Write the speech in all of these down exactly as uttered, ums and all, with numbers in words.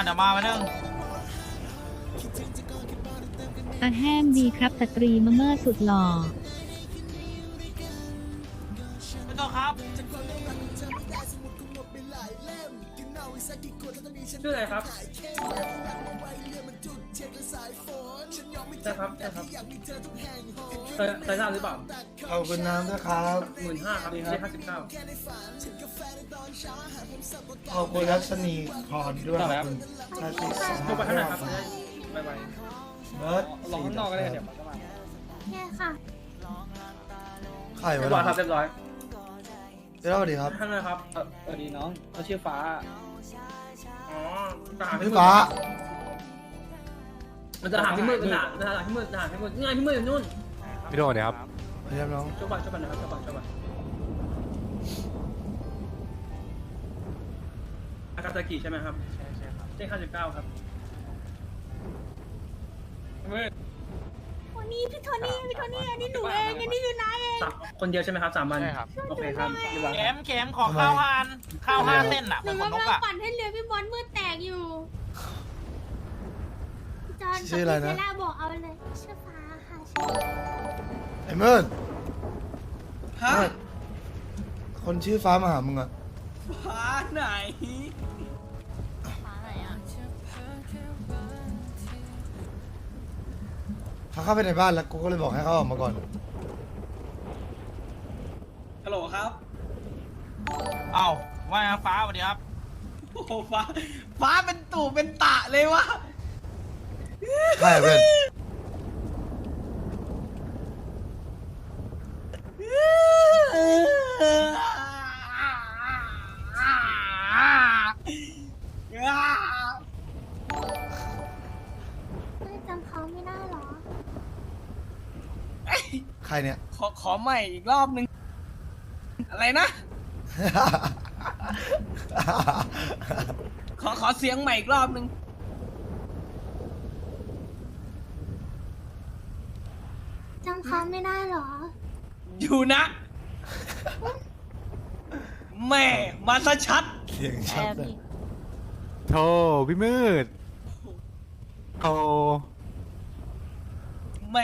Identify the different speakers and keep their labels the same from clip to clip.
Speaker 1: เดี๋ยวมาไปนึง
Speaker 2: อาแห้งดีครับสตรีมะเมื่อสุดหล่อ
Speaker 1: ไม่ต้องครับ
Speaker 3: ชื่ออะไรครับใช่ครับใช่ครับเคยเคยทราบหรือเปล่า
Speaker 4: ขอบคุณน้ำนะครับ
Speaker 3: หมื่นห้าครับได้ห้าสิบเก้า
Speaker 4: ขอบคุณรัชนีพรด้วยขอบคุณชาติส
Speaker 3: โทรไปข้างในครับไปไป
Speaker 4: เบิร์ด
Speaker 3: ลองข้างนอกก็ได้เดี๋ยว
Speaker 5: แค่ค่ะ
Speaker 4: ไข่
Speaker 3: เรี
Speaker 4: ไว้
Speaker 3: ยบร้อยครับเรียบร้อย
Speaker 4: เดี๋ยวสวัสดีครับ
Speaker 3: ข้างในครับ
Speaker 6: สวัสดีน้องเขาชื่อฟ้า
Speaker 3: อ๋อทหาร
Speaker 4: พี่ฟ้า
Speaker 3: มันจะหาพี่มืดมันหามันหาพี่มืดหาพี่มืดนี่ไงพี่มืดอยู่นู่น
Speaker 7: พี่โดนเนี่ยครับ
Speaker 4: พยายามน้อง
Speaker 3: ช่วยบัตรช่วยบัตรนะครับช่วยบัตรช่วยบัตรอากาซากิใช่ไหมครับใช่ใช่ครับเจ๊ห้าสิบเก้าครับมืด
Speaker 5: โทนี่พี่โทนี่พี่โทนี่อันนี้หนูเองอันนี้คือนายเอง
Speaker 3: สามคนเดียวใช่ไหมครับสามวัน
Speaker 7: ใช่ครับ
Speaker 3: โอเคครับเรียบร้อย
Speaker 1: เข็มเข็มขอข้าวหานข้าวห้าเส้นอ่ะ
Speaker 5: ห
Speaker 1: เหมื
Speaker 5: นู
Speaker 1: อนขนน
Speaker 5: กำ
Speaker 1: ก
Speaker 5: ลัง
Speaker 1: อ่ะ
Speaker 5: ปั่นให้เรือพี่บอลมืดแตกอยู่พี่จอนกับ
Speaker 4: ชื่ออะไร
Speaker 5: พี่
Speaker 4: นะ
Speaker 5: เซล่าบอกเอาเลยชื่อฟ้าค่ะชื่อ
Speaker 4: ไอ้เมิร์ดฮะคนชื่อฟ้ามาหามึงอะ
Speaker 6: ฟ้าไหน
Speaker 4: เขาเข้าไปในบ้านแล้วกูก็เลยบอกให้เขาออกมาก่อน
Speaker 6: ฮัลโหลครับ
Speaker 1: เอ้าว่าไงฟ้าสวัสดีครับ
Speaker 6: โอ้โหฟ้า ฟ้าเป็นตู่เป็นตะเลยวะ
Speaker 4: ใช่เพื่อน
Speaker 5: ไม่จำเขาไม่ได้หรอ
Speaker 4: ใครเนี่ย
Speaker 6: ขอขอใหม่อีกรอบนึง อะไรนะ ขอขอเสียงใหม่อีกรอบนึง
Speaker 5: จำเขาไม่ได้หรอ
Speaker 6: อยู่นะ แม่มาซะชัด
Speaker 4: เสียงชัดเลย
Speaker 7: โธ่พี่มืดโธ่
Speaker 6: แหม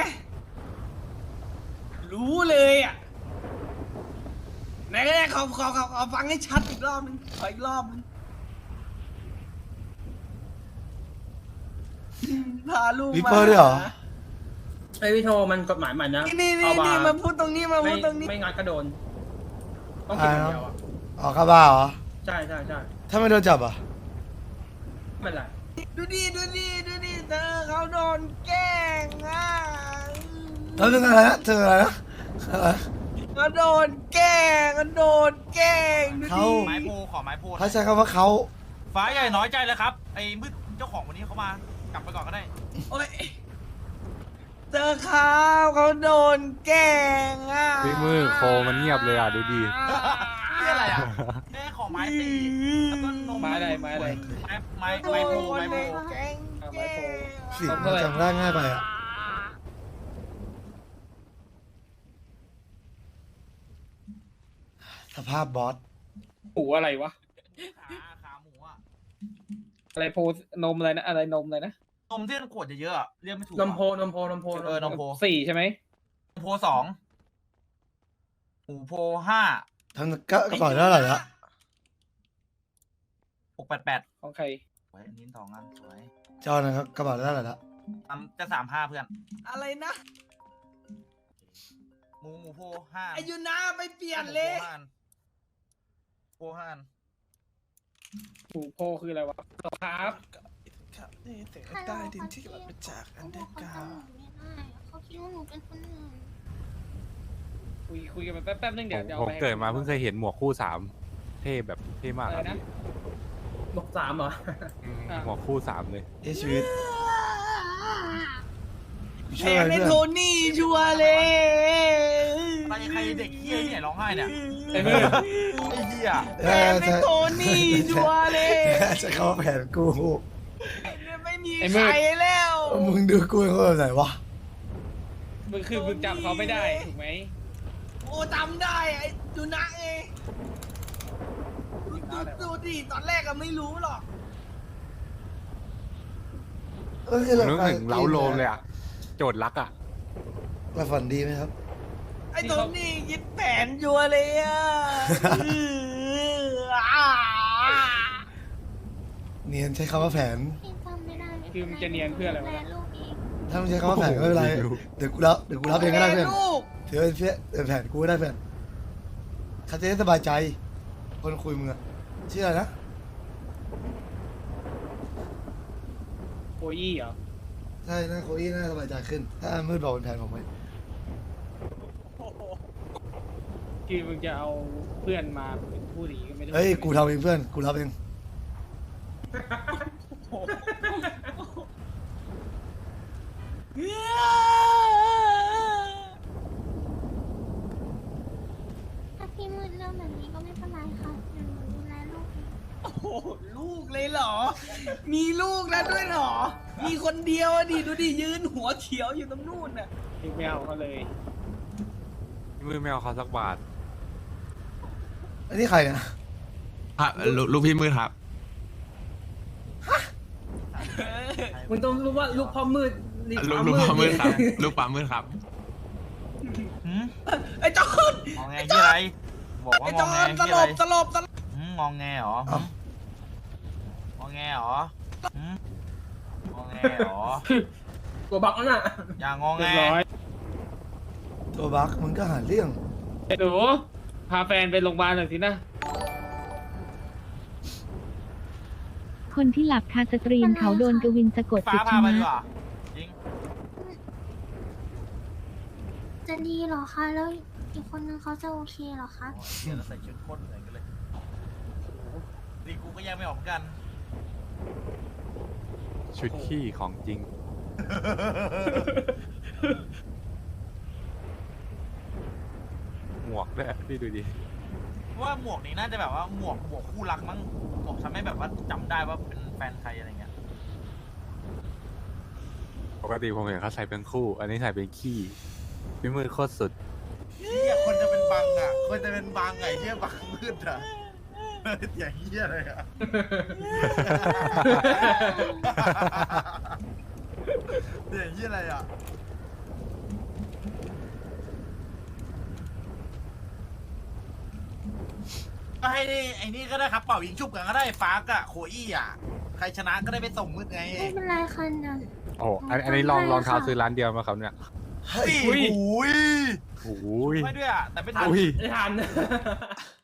Speaker 6: รู้เลยอ่ะไหนก็ได้ขอขอขอขอฟังให้ชัดอีกรอบนึงขออีกรอบนึงพาลูก
Speaker 4: วิ
Speaker 6: มา
Speaker 4: เปอร์ด้วยเหรอ
Speaker 3: ไอวิโทมันกฎหมายใหม่นะ
Speaker 6: นี่นี่
Speaker 3: เอา
Speaker 6: นี่
Speaker 3: บา
Speaker 6: นี่
Speaker 3: ร์
Speaker 6: มาพูดตรงนี้มา
Speaker 3: ไม่
Speaker 6: พูดตรงนี้
Speaker 3: ไม่งัดก็โดน ต้องกินอย่างเดียวอ่ะ
Speaker 4: ออกข้าบ้าเหรอ
Speaker 3: ใช่ใช่ใช่
Speaker 4: ถ้าไม่โดนจับอ่ะ
Speaker 3: ไม่เป็นไร
Speaker 6: ดูดิดูดิดูดิเธอเขาโดนแกล้งอ่ะ
Speaker 4: แล้วเรื่องอะไรนะเธออะไรนะอะไรนะ
Speaker 6: เขาโดนแกล้งเขาโดนแกล้งดู
Speaker 4: เขา
Speaker 6: ดิ
Speaker 1: ไม้โพขอไม้โพ
Speaker 4: เขาใช้คำว่าเขา
Speaker 1: ฟ้าใหญ่น้อยใจเลยครับไอ้มืดเจ้าของวันนี้เขามากลับไปก่อนก็ได้
Speaker 6: โอ้ยเจอเขาเขาโดนแกล้งอ่ะ
Speaker 7: พี่มืดโคมันเงียบเลยอ่ะดูดี
Speaker 1: นี่อะไรอ่ะแม่ขอไม้ตีแล้วก็นม
Speaker 6: ไม้อะไรไม้อะไร
Speaker 1: ไม้ไม้ไม้โพไม้โพ
Speaker 6: แกล้งแกล้ง
Speaker 4: เสียงมันจำได้ง่ายไปอ่ะสภาพบอส
Speaker 6: หูอะไรวะ
Speaker 1: ขาขาหมูอ่ะ
Speaker 6: อะไรโพนมอะไรนะอะไรนมอะไรนะ
Speaker 1: นมที่มันขวดเยอะๆอะเรียกไม่ถูก
Speaker 3: นมโพนมโพนมโพ
Speaker 1: เออนมโพ
Speaker 6: สี่ใช่ไหม
Speaker 1: นมโพสองหมูโพห้า
Speaker 4: ทำกระเป๋าได้เท่าไหร่ละ
Speaker 1: หกแปดแปด
Speaker 6: ของใคร
Speaker 1: ไว้อันนี้สองอันสวย
Speaker 4: จอนะครับกระเป๋าได้เท่าไหร่ละ
Speaker 1: ทำจะสามห้าเพื่อน
Speaker 6: อะไรนะ
Speaker 1: หมูหมูโพห้า
Speaker 6: อายุนาไปเปลี่ยนเลย
Speaker 1: โพห้าอัน
Speaker 6: หูโพคืออะไรวะครับ
Speaker 5: ครับนี่แต่ได้ดินที่กลับมาจากอันเดอร์กราวเขาคิดว่าหนูเป็นคนอื่น
Speaker 6: คุยคุยกันมาแป๊บๆนึงเดี๋ยวเดี๋ยว
Speaker 7: ผม
Speaker 6: อาไปให้
Speaker 7: เกิดมาเพิ่งเคยเห็นหมวกคู่สามเท่แบบเท่มาก
Speaker 6: อะ
Speaker 7: ค
Speaker 6: ไร
Speaker 7: รับ
Speaker 6: นะ
Speaker 3: บอกสามเหรอ
Speaker 7: อืมหมวกคู่สามเลย
Speaker 4: เอชีวิต
Speaker 6: แท
Speaker 4: ช่วย
Speaker 6: ง
Speaker 4: อะไร
Speaker 6: ใน
Speaker 4: เพื่อน
Speaker 6: โทนี่ชัวร์เลย
Speaker 1: ใครใครเด็กเฮี้ยเนี่ยร้องไห้เนี่ย
Speaker 6: ไอ้มือ
Speaker 1: ไอ้เฮี้ย
Speaker 6: แทงในโทนี่ชัวร์เลย
Speaker 4: จะเข้าแผนกู
Speaker 6: ไม่มีใครแล้ว
Speaker 4: มึงดูกูเขาแบบไหนวะ
Speaker 6: มึงคือมึงจำเขาไม่ได้ถูกไหมโอ้จำได้ไอ้ดูนะเองดูดูดิตอนแรกก็ไม่รู้หรอก
Speaker 4: ก็คือหลับ
Speaker 7: นึก
Speaker 4: ตา
Speaker 7: ถึงเล้าโลมเลยอ่ะ โจทย์รักอ่ะ
Speaker 4: หลับฝันดีไหมครับ
Speaker 6: ไอ้โทนี่ยึดแผนยัวเลยอ่ะ
Speaker 4: เนียนใช้คำว่าแผน
Speaker 5: พี่จำไม่ได้
Speaker 8: คือมันจะเนียนเพื่ออะไรวะ
Speaker 5: แม่ลูกเอง
Speaker 4: ถ้ามึงใช้คำว่าแผนก็ไม่เป็นไร
Speaker 7: โอ้โห
Speaker 4: เดี๋ยวกูรับเดี๋ยวกูรับเองก็ได้เพื่อน
Speaker 6: ลูก
Speaker 4: ถือเป็นเพื่อนเป็นแผนกูก็ได้เพื่อนเขาจะได้สบายใจ คนคุยมึงอะชื่ออะไรนะ
Speaker 8: โคอี้เหรอ
Speaker 4: ใช่น่าโคอี้น่าสบายใจขึ้น ถ้ามืดบอกเป็นแผนผมไหม
Speaker 8: คือมึงจะเอาเพื่อนมาเป็นผู้ดีก็ไม่ได้
Speaker 4: เฮ้ย กูทำเองเพื่อน กูรับเอง
Speaker 5: ถ้าพี่มืดเรื่องแบบนี้ก็ไม่เป็นไรค่ะเดี๋ยวหนูดูแลลูกเอง
Speaker 6: โอ้โหลูกเลยเหรอ มีลูกแล้วด้วยเหรอ มีคนเดียวอะดิดูดิยืนหัวเขียวอยู่ตรงนู่นน่ะ
Speaker 8: คือไม่เอาเขาเลย
Speaker 7: พี่มืดไม่เอาเขาสักบาท
Speaker 4: อันนี้ใครเนี่ย
Speaker 9: ครับลูกลูกพี่มืดครับ
Speaker 8: มึงต้องรู้ว่าลูกพ่อมืดนี่
Speaker 9: ลูกลูกปลามืดครับ ลูกปลามืดครับ
Speaker 1: หืม
Speaker 6: ไอ้จอน
Speaker 1: งองแงยี่อะไร บอกว่า
Speaker 6: ไอ้
Speaker 1: ง
Speaker 6: จ
Speaker 1: อ
Speaker 6: อง
Speaker 1: แง
Speaker 6: นต
Speaker 1: ยี่
Speaker 6: ล
Speaker 1: อะไร
Speaker 6: บตลบตลบ
Speaker 1: หืมงองแงเหรอ
Speaker 4: เอ้า
Speaker 1: งองแงเหรอหืมงองแงเหรอ
Speaker 8: ตัวบักนั่นน่ะ
Speaker 1: อย่างงอง
Speaker 8: เรี
Speaker 1: แง
Speaker 8: ยบร้อย
Speaker 4: ตัวบักมึงก็หาเรื่อง
Speaker 8: ไอ้หนูพาแฟนไปโรงพยาบาลหน่อยสินะ
Speaker 2: คนที่หลับคาสตรีมเขาโดนกวินสะกด
Speaker 1: ฟ้า
Speaker 2: จิต
Speaker 1: พา
Speaker 2: ช
Speaker 1: ไปดี
Speaker 2: นะ
Speaker 1: กว่าจริง
Speaker 5: จะดีเหรอคะแล้วอีกคนนึงเขาจะโอเคเหรอคะ
Speaker 1: โอ้ยเดี๋ยวเราใส่ชุดโคตรเหมือนกันเลยดีกูก็แยกไม่ออกเหมือนกัน
Speaker 7: ชุดขี้ของจริง หมวกด้วยพี่ดูดิ
Speaker 1: ว่าหมวกนี้น่าจะแบบว่าหมวกหมวกคู่รักมั้งหมวกทำให้แบบว่าจำได้ว่าเป็นแฟนใครอะไรเงี้ย
Speaker 7: ปกติผมเห็นเขาใส่เป็นคู่ อันนี้ใส่เป็นขี้ พี่มืดโคตรสุด
Speaker 1: เฮียคนจะเป็นบังอ่ะ คนจะเป็นบังไงเฮียบังมืดอ่ะอย่างเฮียเลยอ่ะอย่างเฮียอะไรอ่ะก็ให้นี่ไอ้นี่ก็ได้ครับเป่ายิงชุบกันก็ได้ฟากอะโคอี้อ่ะใครชนะก็ได้ไปส่งมืดไง
Speaker 5: ไม่เป็นไรค่ะเดี๋ยว
Speaker 7: โอ้อันอันนี้ลองลองเท้าซื้อร้านเดียวมาครับเนี่ย
Speaker 4: เฮ้ย
Speaker 1: อุ้ย
Speaker 7: โอ้ย
Speaker 1: ไม่ด้วยอ่ะแต่ไม่ทัน
Speaker 7: อุ้ย
Speaker 8: ไม่ทัน